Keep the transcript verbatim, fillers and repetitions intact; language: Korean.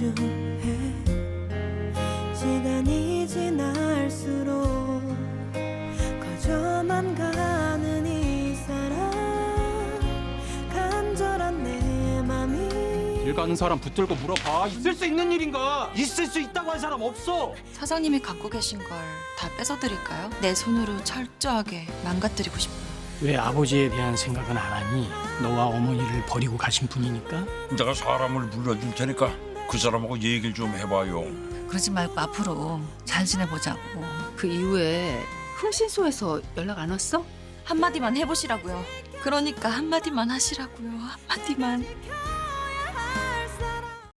소중해. 시간이 지날수록 커져만 가는 이 사람, 간절한 내 맘이. 길 가는 사람 붙들고 물어봐. 있을 수 있는 일인가? 있을 수 있다고 한 사람 없어. 사장님이 갖고 계신 걸 다 뺏어드릴까요? 내 손으로 철저하게 망가뜨리고 싶어요. 왜 아버지에 대한 생각은 안 하니? 너와 어머니를 버리고 가신 분이니까. 내가 사람을 불러줄 테니까 그 사람하고 얘기를 좀 해봐요. 그러지 말고 앞으로 잘 지내보자고. 그 이후에 흥신소에서 연락 안 왔어? 한마디만 해보시라고요. 그러니까 한마디만 하시라고요. 한마디만.